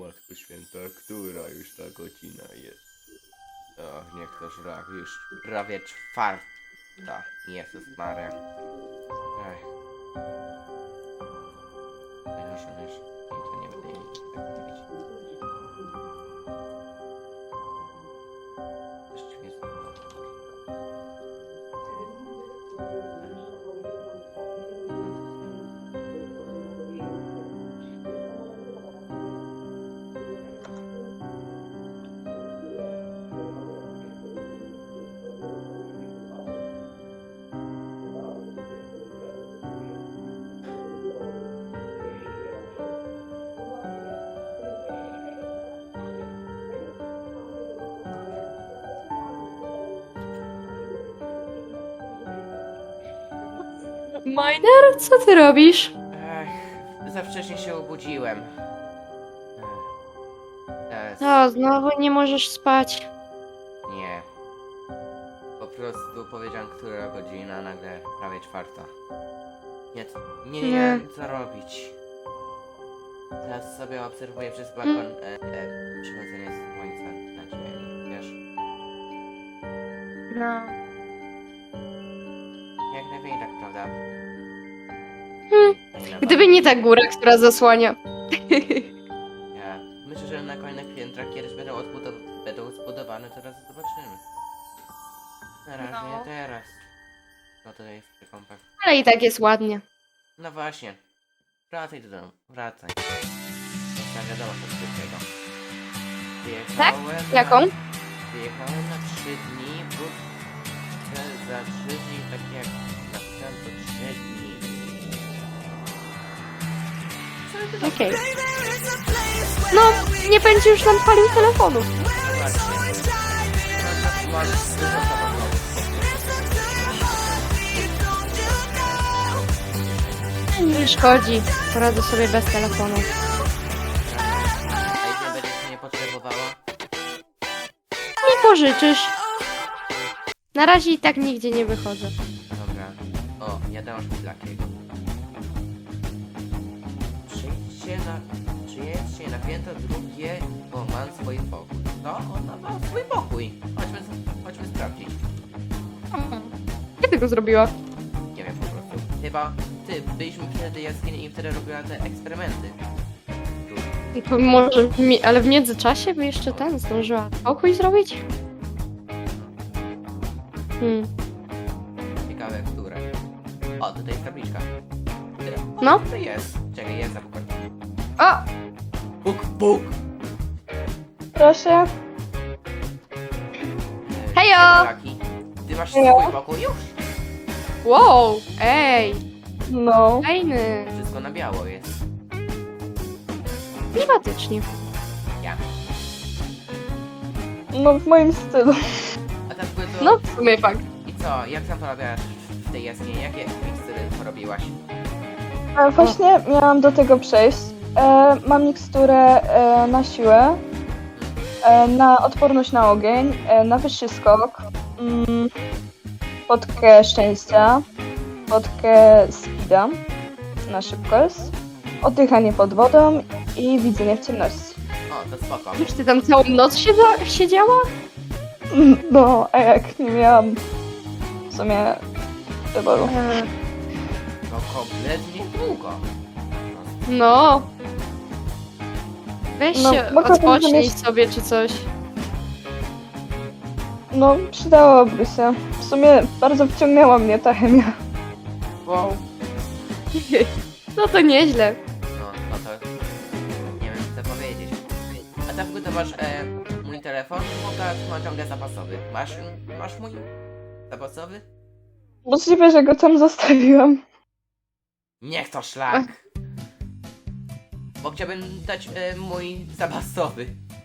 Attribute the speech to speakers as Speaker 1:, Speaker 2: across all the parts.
Speaker 1: Matko Święta, która już ta godzina jest? Ach, niech to szlak, już prawie czwarta. Jezus Maria. Ech. Już. I to nie będę jej tak mówić. Właściwie jest...
Speaker 2: Miner, co ty robisz?
Speaker 1: Ech, za wcześnie się obudziłem. Teraz
Speaker 2: No, znowu nie możesz spać.
Speaker 1: nie. Po prostu powiedziałem, która godzina, nagle prawie czwarta. Nie wiem co robić. Teraz sobie obserwuję przez balkon przychodzenie słońca na ziemi, wiesz?
Speaker 2: No.
Speaker 1: Jak najmniej tak, prawda?
Speaker 2: Gdyby nie ta góra, która zasłania.
Speaker 1: Ja myślę, że na kolejnych piętrach kiedyś będą zbudowane, teraz zobaczymy. Na razie
Speaker 2: No.
Speaker 1: teraz. No tutaj jest przy kąpach.
Speaker 2: Ale i tak jest ładnie.
Speaker 1: No właśnie. Wracaj do domu, wracaj. Tak wiadomo co szybkiego.
Speaker 2: Tak?
Speaker 1: Wyjechałem
Speaker 2: Jaką?
Speaker 1: Wyjechałem na 3 dni, plus za 3 dni, tak jak napisałem, to 3 dni.
Speaker 2: Okej. No, nie będzie już nam palił telefonu.
Speaker 1: Zobaczcie. No, masz dużo samochodów.
Speaker 2: Nie szkodzi. Poradzę sobie bez telefonu.
Speaker 1: A jeśli będziesz mnie potrzebowała?
Speaker 2: Nie pożyczysz. Na razie i tak nigdzie nie wychodzę.
Speaker 1: Dobra. O, ja dam szpilakiego. Przyjedźcie na piętro drugie, bo mam swój pokój. No, ona ma swój pokój. Chodźmy sprawdzić.
Speaker 2: Kiedy go zrobiła?
Speaker 1: Nie wiem po prostu. Chyba byliśmy wtedy jaskini i wtedy robiła te eksperymenty.
Speaker 2: To może, ale w międzyczasie by jeszcze ten zdążyła pokój zrobić?
Speaker 1: Ciekawe, które. O, tutaj jest tabliczka. O,
Speaker 2: No.
Speaker 1: To jest. Czekaj, jest zapukać.
Speaker 2: O!
Speaker 1: Puk!
Speaker 3: Proszę.
Speaker 2: Hejo!
Speaker 1: Jaki? Ty masz
Speaker 3: Hejo.
Speaker 1: swój pokój już?
Speaker 2: Wow! Ej!
Speaker 3: No.
Speaker 2: Fajny!
Speaker 1: Wszystko na biało jest.
Speaker 2: Klimatycznie.
Speaker 1: Ja.
Speaker 3: No w moim stylu.
Speaker 1: A tam były to...
Speaker 2: No, w sumie fakt.
Speaker 1: I co? Jak tam porobiłaś w tej jaskini? Jakie mikstury porobiłaś?
Speaker 3: Właśnie miałam do tego przejść. Mam miksturę na siłę, na odporność na ogień, na wyższy skok, potkę szczęścia, potkę speeda, na szybkość, oddychanie pod wodą i widzenie w ciemności.
Speaker 1: O, to spoko.
Speaker 2: Już ty tam całą noc siedziała?
Speaker 3: No, a jak nie miałam w sumie wyboru.
Speaker 1: To kompletnie długo.
Speaker 2: No. Weź
Speaker 3: No,
Speaker 2: się
Speaker 3: mogłabym
Speaker 2: odpocznij
Speaker 3: zamieść-
Speaker 2: sobie czy coś.
Speaker 3: No, przydałoby się. W sumie bardzo wciągnęła mnie ta chemia.
Speaker 1: Wow.
Speaker 2: No to nieźle.
Speaker 1: No to... Nie wiem co powiedzieć. A tam to masz mój telefon? Mam ciągle zapasowy. Masz mój zapasowy?
Speaker 3: Możliwe, że go tam zostawiłam.
Speaker 1: Niech to szlak! Bo chciałbym dać mój zapasowy.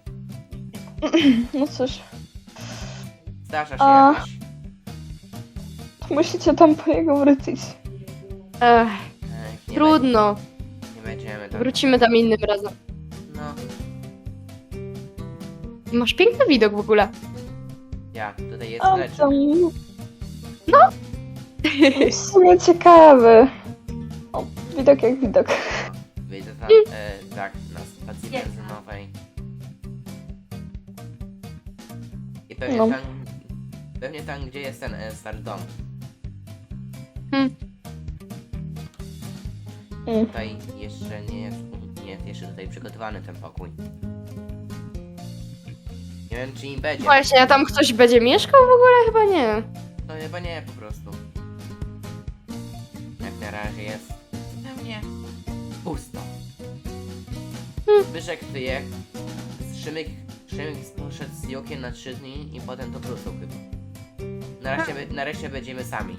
Speaker 3: No cóż,
Speaker 1: Zdarza się
Speaker 3: A.
Speaker 1: jakoś.
Speaker 3: musicie tam po niego wrócić.
Speaker 2: Ech,
Speaker 1: Nie
Speaker 2: trudno.
Speaker 1: Nie będziemy tam.
Speaker 2: Wrócimy tam innym razem.
Speaker 1: No,
Speaker 2: Masz piękny widok w ogóle.
Speaker 1: ja, tutaj jest
Speaker 3: A
Speaker 1: lecz.
Speaker 3: tam... No! W sumie ciekawy. O, widok jak widok.
Speaker 1: Wyjdę tam tak na stacji benzynowej. I pewnie
Speaker 3: No.
Speaker 1: pewnie tam, gdzie jest ten stary dom. Tutaj jeszcze nie jest jeszcze tutaj przygotowany ten pokój. Nie wiem, czy im będzie.
Speaker 2: Właśnie, a tam ktoś będzie mieszkał w ogóle? Chyba nie.
Speaker 1: No chyba nie, po prostu. Jak na razie jest zupełnie pusto. Zbyszek wyjechał. Szymek poszedł z Jokiem na 3 dni i potem to wrócił chyba. Nareszcie będziemy sami.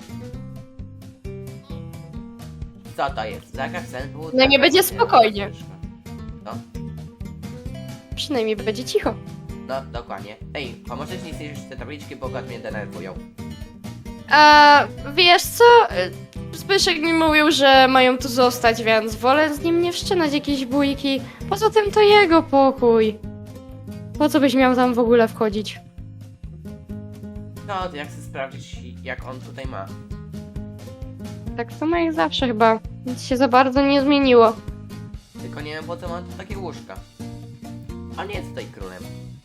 Speaker 1: Co to jest? Zakaz wstępu?
Speaker 2: No nie będzie spokojnie.
Speaker 1: No,
Speaker 2: Przynajmniej będzie cicho.
Speaker 1: no dokładnie. Ej, pomożesz mi zniszczyć te tabliczki, bo mnie denerwują.
Speaker 2: A wiesz co? Zbyszek mi mówił, że mają tu zostać, więc wolę z nim nie wszczynać jakieś bójki. Poza tym to jego pokój. Po co byś miał tam w ogóle wchodzić?
Speaker 1: No, to jak chcę sprawdzić, jak on tutaj ma.
Speaker 2: Tak samo jak zawsze chyba. Nic się za bardzo nie zmieniło.
Speaker 1: Tylko nie wiem, po co mam tu takie łóżka. On nie jest tutaj królem.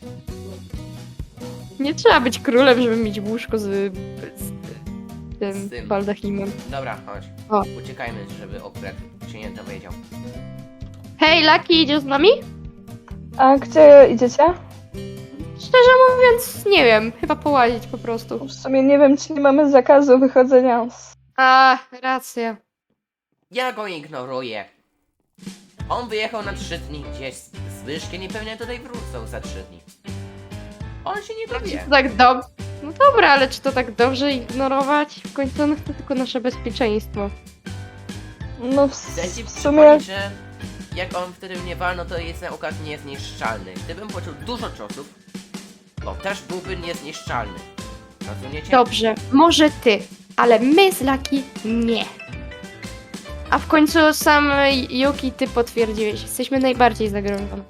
Speaker 2: Nie trzeba być królem, żeby mieć łóżko z tym
Speaker 1: Z tym.
Speaker 2: baldachimem.
Speaker 1: Dobra, chodź.
Speaker 2: O.
Speaker 1: Uciekajmy, żeby akurat się nie dowiedział.
Speaker 2: Hej, Lucky, idziesz z nami?
Speaker 3: A gdzie idziecie?
Speaker 2: Szczerze mówiąc, nie wiem. Chyba połazić po prostu.
Speaker 3: W sumie nie wiem, czy nie mamy zakazu wychodzenia z...
Speaker 2: A, racja.
Speaker 1: Ja go ignoruję. On wyjechał na 3 dni gdzieś z Zbyszkiem i pewnie tutaj wrócą za 3 dni. On się nie dowie.
Speaker 2: To tak dobrze. No dobra, ale czy to tak dobrze ignorować? W końcu on chce tylko nasze bezpieczeństwo.
Speaker 3: No
Speaker 1: Chcę ci
Speaker 3: w sumie...
Speaker 1: przypomnieć, że jak on wtedy mnie walnął, to jest na układ niezniszczalny. Gdybym poczuł dużo ciosów, to też byłby niezniszczalny. Rozumiecie?
Speaker 2: Dobrze, może ty, ale my z Lucky nie. A w końcu sam Yuki ty potwierdziłeś. Jesteśmy najbardziej zagrożone.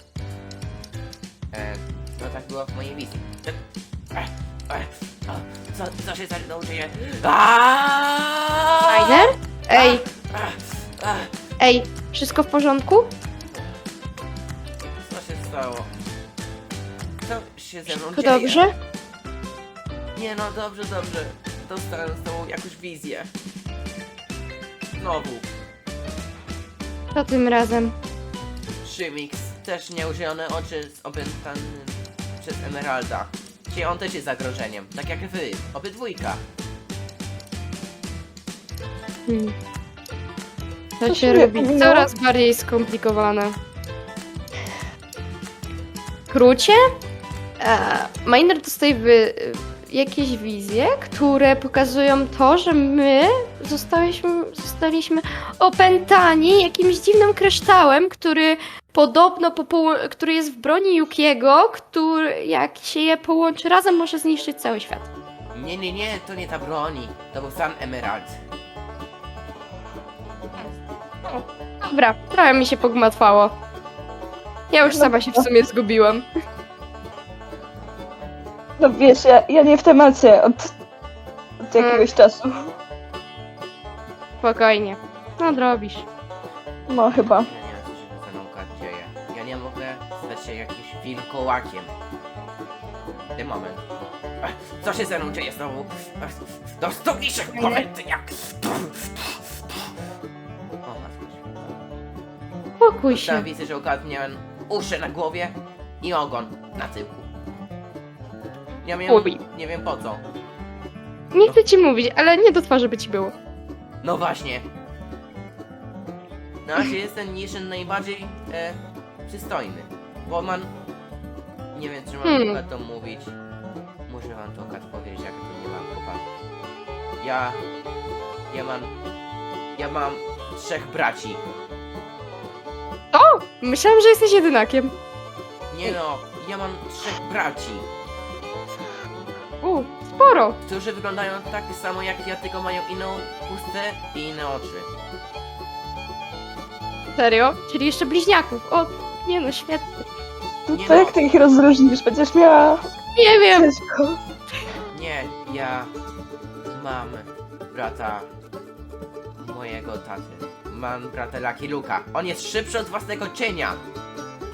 Speaker 1: No tak było w mojej wizji. Co się za mną dzieje?
Speaker 2: Rainer? Ej, ej, wszystko w porządku?
Speaker 1: Co się stało? Co się ze mną
Speaker 2: Wszystko
Speaker 1: dzieje?
Speaker 2: dobrze?
Speaker 1: Nie no, dobrze. Dostałem z tobą jakąś wizję. Znowu.
Speaker 2: Co tym razem?
Speaker 1: Szymix, też nieużyjone oczy z opętanym przez Emeralda. Dzisiaj on też jest zagrożeniem, tak jak wy, obydwójka.
Speaker 2: To
Speaker 3: Co
Speaker 2: się
Speaker 3: się
Speaker 2: robi
Speaker 3: minęło?
Speaker 2: coraz bardziej skomplikowane. W skrócie, Miner dostaje jakieś wizje, które pokazują to, że my zostaliśmy opętani jakimś dziwnym kryształem, który podobno który jest w broni Yukiego, który jak się je połączy razem, może zniszczyć cały świat.
Speaker 1: Nie, to nie ta broni. To był sam Emerald.
Speaker 2: Dobra, trochę mi się pogmatwało. Ja już sama się w sumie zgubiłam.
Speaker 3: No wiesz, ja nie w temacie od jakiegoś czasu.
Speaker 2: Spokojnie. Nadrobisz.
Speaker 3: No chyba.
Speaker 1: Ja nie wiem, co się ze mną dzieje. Ja nie mogę stać się jakimś wilkołakiem. W tym moment. Co się ze mną dzieje znowu? To stopiszek momenty jak... O,
Speaker 2: Spokój się.
Speaker 1: tam widzę, że ukradł miałem uszy na głowie i ogon na tyłku. Ja miałem,
Speaker 2: Uj.
Speaker 1: nie wiem po co.
Speaker 2: Nie chcę ci mówić, ale nie do twarzy by ci było.
Speaker 1: No właśnie. Na razie jest ten niszyn najbardziej przystojny. Bo man... Nie wiem, czy mam chyba to mówić. Muszę wam to powiedzieć, jak to nie mam chyba. Ja mam 3 braci.
Speaker 2: O! Myślałam, że jesteś jedynakiem.
Speaker 1: Nie no, ja mam 3 braci,
Speaker 2: Sporo.
Speaker 1: którzy wyglądają tak samo jak ja, tylko mają inną chustę i inne oczy.
Speaker 2: Serio? Czyli jeszcze bliźniaków. O, nie no, świetnie.
Speaker 1: Nie
Speaker 3: To
Speaker 1: no.
Speaker 3: jak ty ich rozróżnisz? Będziesz miała...
Speaker 2: Nie wiem.
Speaker 3: Ciężko.
Speaker 1: Nie, ja mam brata mojego taty. Mam brata Lucky Luka. On jest szybszy od własnego cienia.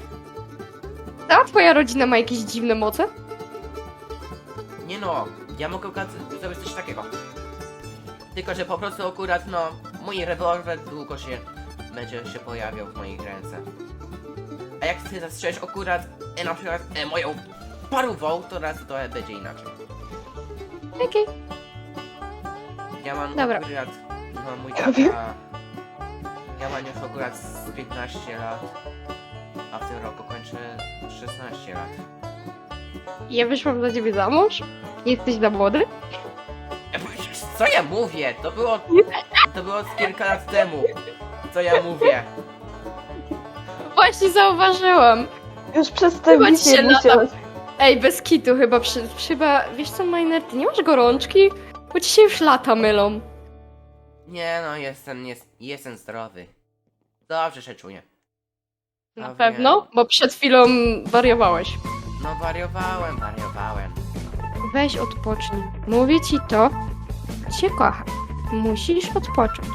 Speaker 2: A twoja rodzina ma jakieś dziwne moce?
Speaker 1: Nie no, ja mogę zrobić coś takiego. Tylko, że po prostu akurat, no, mój rewolwer długo się będzie się pojawiał w moich ręce. A jak chcę zastrzelić akurat, na przykład, moją parową, to raz to będzie inaczej.
Speaker 2: Okej.
Speaker 1: Ja mam
Speaker 2: Dobra.
Speaker 1: akurat, no mój
Speaker 3: Ja wiem.
Speaker 1: tata, ja mam już akurat z 15 lat, a w tym roku kończę 16 lat.
Speaker 2: Ja wyszłam za ciebie za mąż? Jesteś za młody?
Speaker 1: Co ja mówię? To było z kilka lat temu. Co ja mówię?
Speaker 2: Właśnie zauważyłam.
Speaker 3: Już przez te
Speaker 2: Chyba ci
Speaker 3: wizje
Speaker 2: się
Speaker 3: musiałeś.
Speaker 2: Ej, bez kitu chyba, wiesz co, Miner, ty nie masz gorączki? Bo ci się już lata mylą.
Speaker 1: Nie no, jestem zdrowy. Dobrze się czuję.
Speaker 2: Na
Speaker 1: No
Speaker 2: pewno?
Speaker 1: wiem.
Speaker 2: Bo przed chwilą wariowałeś.
Speaker 1: No wariowałem.
Speaker 2: Weź odpocznij. Mówię ci to, cię kocham. Musisz odpocząć.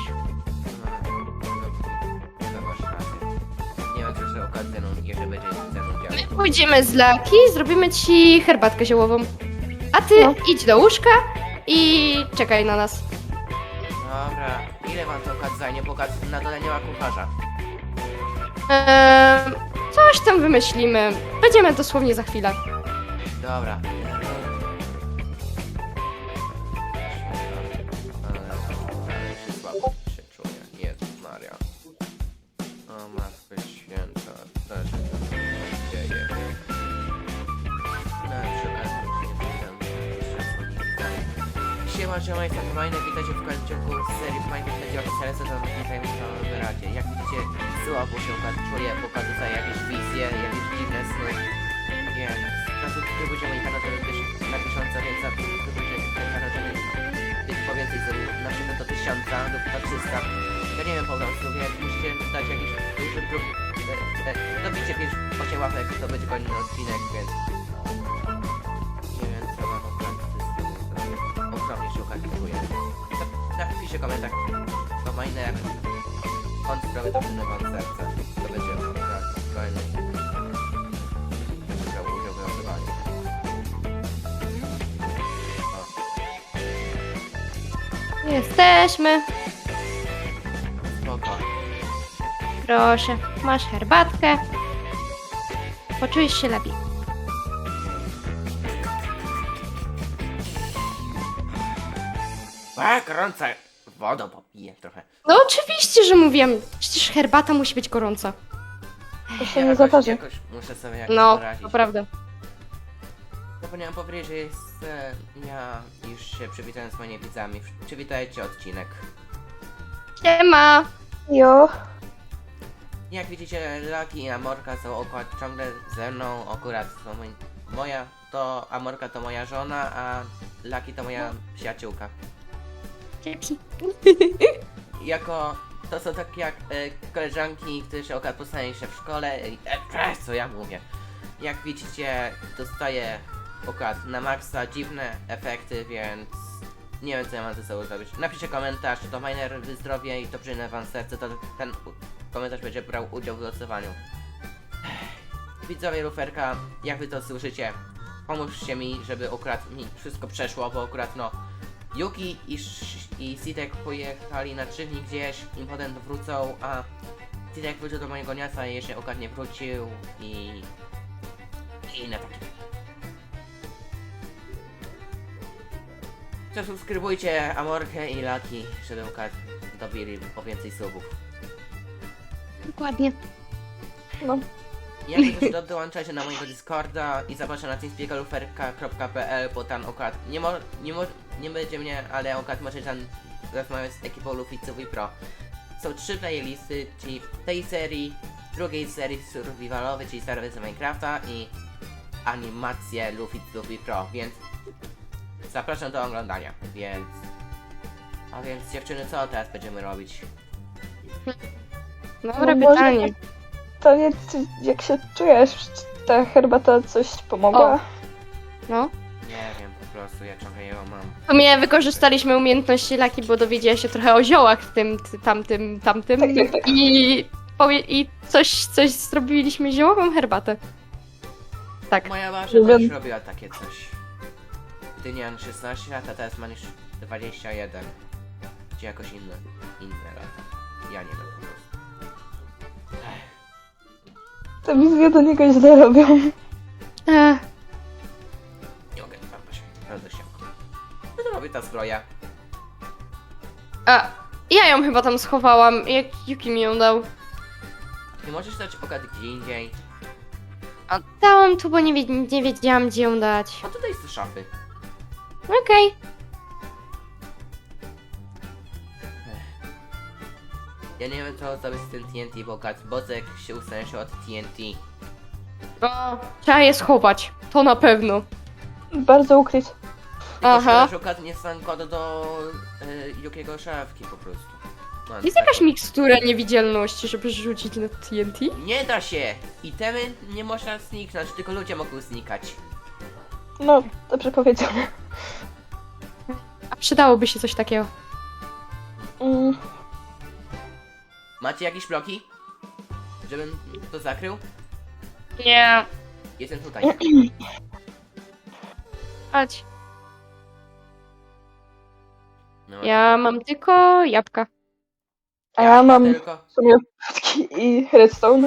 Speaker 1: No masz rację. Nie ma też okazji, jeżeli będzie ze mną działał.
Speaker 2: Pójdziemy z Laki, zrobimy ci herbatkę ziołową. A ty
Speaker 3: No.
Speaker 2: idź do łóżka i czekaj na nas.
Speaker 1: Dobra, ile wam to okaz zajmie, bo na dole nie ma kucharza.
Speaker 2: Coś tam wymyślimy. Będziemy dosłownie za chwilę.
Speaker 1: Dobra. Ale się słabo się czuję. Jezus Maria. O Matko Święta, co się tam dzieje? No, przy okazji witam Siema, siema, jestem Majny, witajcie w końcu serii Minecraft będzie oficjalnie sezon witajmy w Radzie. Jak widzicie, słabo się czuję, pokażę tutaj jakieś wizje, jakieś dziwne sny. Więc zasubskrybujcie mój kanał, żeby też na 1000, więc zasubskrybujcie ten kanał, żeby być po więcej sobie, na przykład do 1000 lub do 300. Ja nie wiem po prostu, więc musicie dać jakiś duży próg. Dobicie 8 łapek, to będzie kolejny odcinek, więc nie wiem co mam obrać z tym zrobić. Ogromnie się ukazuję. Napiszcie komentarz do Miner. On sprawy to wam serce. To będzie kolejny. Będzie brał udział w losowaniu.
Speaker 2: Jesteśmy.
Speaker 1: Spoko.
Speaker 2: Proszę, masz herbatkę. Poczujesz się lepiej.
Speaker 1: A, gorąca wodą popiję trochę.
Speaker 2: No oczywiście, że mówiłam. Przecież herbata musi być gorąca.
Speaker 3: To się nie zatarzy.
Speaker 1: Jakoś muszę sobie jakoś
Speaker 2: No,
Speaker 1: poradzić.
Speaker 2: to prawda.
Speaker 1: Zapomniałem powiedzieć, że jest... ja już się przywitałem z moimi widzami. Przywitajcie odcinek.
Speaker 2: Siema.
Speaker 3: Jo.
Speaker 1: Jak widzicie, Lucky i Amorka są akurat ciągle ze mną. Akurat są moja... to Amorka to moja żona, a Lucky to moja przyjaciółka.
Speaker 2: Dzięki.
Speaker 1: Jako... to są takie jak koleżanki, które się akurat poznają się w szkole. Co ja mówię? Jak widzicie, dostaję akurat na maksa dziwne efekty, więc nie wiem co ja mam ze sobą zrobić. Napiszcie komentarz, czy to Miner wyzdrowie i to przyjmę wam serce, to ten komentarz będzie brał udział w losowaniu. Widzowie Luferka, jak wy to słyszycie, pomóżcie mi, żeby akurat mi wszystko przeszło, bo akurat no Yuki i Sitek pojechali na 3 dni gdzieś i potem wrócą, a Sitek wrócił do mojego miasta i jeszcze akurat nie wrócił i na takie. Zasubskrybujcie Amorkę i Lucky, żeby akurat dobili po więcej subów.
Speaker 2: Dokładnie.
Speaker 3: No.
Speaker 1: Jak też dołączajcie na mojego Discorda i zapraszam na teamspeakeruferka.pl, bo tam akurat nie będzie mnie, ale akurat możecie tam rozmawiać z ekipą Luficów i Pro. Są 3 playlisty, czyli tej serii, drugiej serii survivalowej, czyli stare wersje Minecrafta i animacje Luffy Pro, więc zapraszam do oglądania, więc... A więc dziewczyny, co teraz będziemy robić?
Speaker 2: Dobre
Speaker 3: No może-
Speaker 2: pytanie.
Speaker 3: To nie, jak się czujesz? Czy ta herbata coś pomogła?
Speaker 2: O. No.
Speaker 1: Nie wiem, po prostu ja trochę ją mam.
Speaker 2: W sumie wykorzystaliśmy umiejętności Laki, bo dowiedziała się trochę o ziołach w tym, tamtym.
Speaker 3: Tak.
Speaker 2: I coś zrobiliśmy ziołową herbatę. Tak.
Speaker 1: Moja Masza też robiła takie coś. Gdy miałem 16 lat, a teraz mam już 21. Czy jakoś inne lata. Ja nie wiem po prostu.
Speaker 3: Te wizje do niego źle robią.
Speaker 2: Ech,
Speaker 1: Nie mogę, mam Basiu, bardzo się. Co to robi ta zbroja?
Speaker 2: a, ja ją chyba tam schowałam, jak Yuki mi ją dał.
Speaker 1: Nie możesz dać oka gdzie indziej?
Speaker 2: A dałam tu, bo nie wiedziałam, gdzie ją dać.
Speaker 1: A tutaj są szafy.
Speaker 2: Okej.
Speaker 1: Ja nie wiem co zrobić z tym TNT, bo Bozek się ustawił od TNT.
Speaker 2: O, trzeba je schować. To na pewno.
Speaker 3: Bardzo ukryć.
Speaker 2: Aha.
Speaker 1: Aha. Szukać nie sam kod do Yukiego szafki po prostu. No,
Speaker 2: Jest
Speaker 1: tak.
Speaker 2: jakaś mikstura niewidzialności, żeby rzucić na TNT?
Speaker 1: Nie da się! Itemy nie można zniknąć, tylko ludzie mogą znikać.
Speaker 3: No, dobrze powiedziane.
Speaker 2: A przydałoby się coś takiego.
Speaker 3: Mm,
Speaker 1: Macie jakieś bloki? Żebym to zakrył?
Speaker 2: Nie.
Speaker 1: Jestem tutaj.
Speaker 2: Chodź.
Speaker 1: No,
Speaker 2: Ja mam tylko jabłka.
Speaker 3: a ja mam
Speaker 1: tylko.
Speaker 3: w sumie fotki i redstone.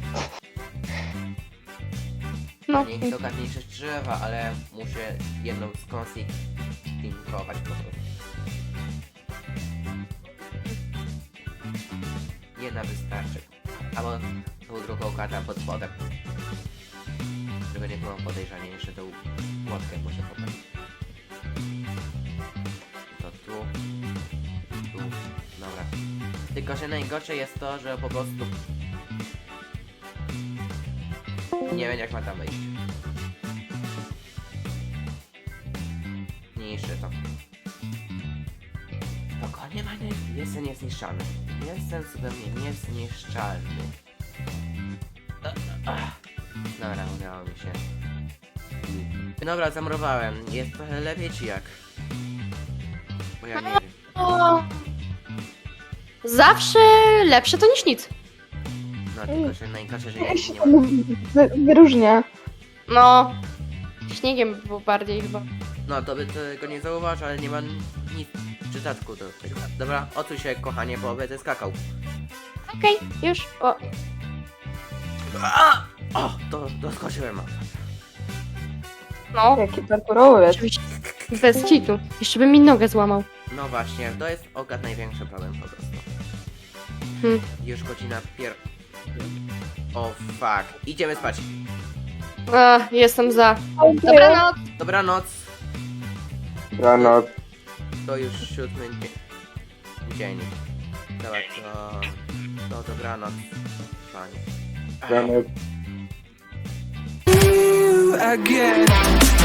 Speaker 2: No.
Speaker 1: Nie chcę ogarnąć drzewa, ale muszę jedną skonfigurować po prostu. Jedna wystarczy. Albo tą drugą kartę pod spodem. Żeby nie było podejrzanie, jeszcze tą łatkę muszę potem. To tu. Tu. Dobra. Tylko, że najgorsze jest to, że po prostu nie wiem jak ma tam wejść. Niszczy to. Spokojnie, Maniek, jestem niezniszczalny. Jestem zupełnie niezniszczalny. Dobra, udało mi się. Dobra, zamurowałem. Jest trochę lepiej czy jak? Bo ja nie wiem.
Speaker 2: O. Zawsze lepsze to niż nic.
Speaker 1: No tylko, że najgorsze, że ja
Speaker 3: Ja
Speaker 1: nie
Speaker 3: się
Speaker 1: mam.
Speaker 3: wyróżnia.
Speaker 2: No. Śniegiem było bardziej chyba.
Speaker 1: No to by tego nie zauważył, ale nie mam nic w przydatku do tego. Dobra, odsuń się kochanie, bo będę skakał.
Speaker 2: Okej, już. O.
Speaker 1: O, doskoczyłem.
Speaker 2: No.
Speaker 3: Jaki parkurowiec.
Speaker 2: Oczywiście. Bez kitu. Jeszcze bym mi nogę złamał.
Speaker 1: No właśnie, to jest największy problem po prostu. Już godzina O fuck, idziemy spać.
Speaker 2: A, jestem za. Dobranoc.
Speaker 1: Dobranoc.
Speaker 4: Rano,
Speaker 1: To już 7 dzień. Dobra, to dobranoc. Panie.
Speaker 4: rano.
Speaker 5: again.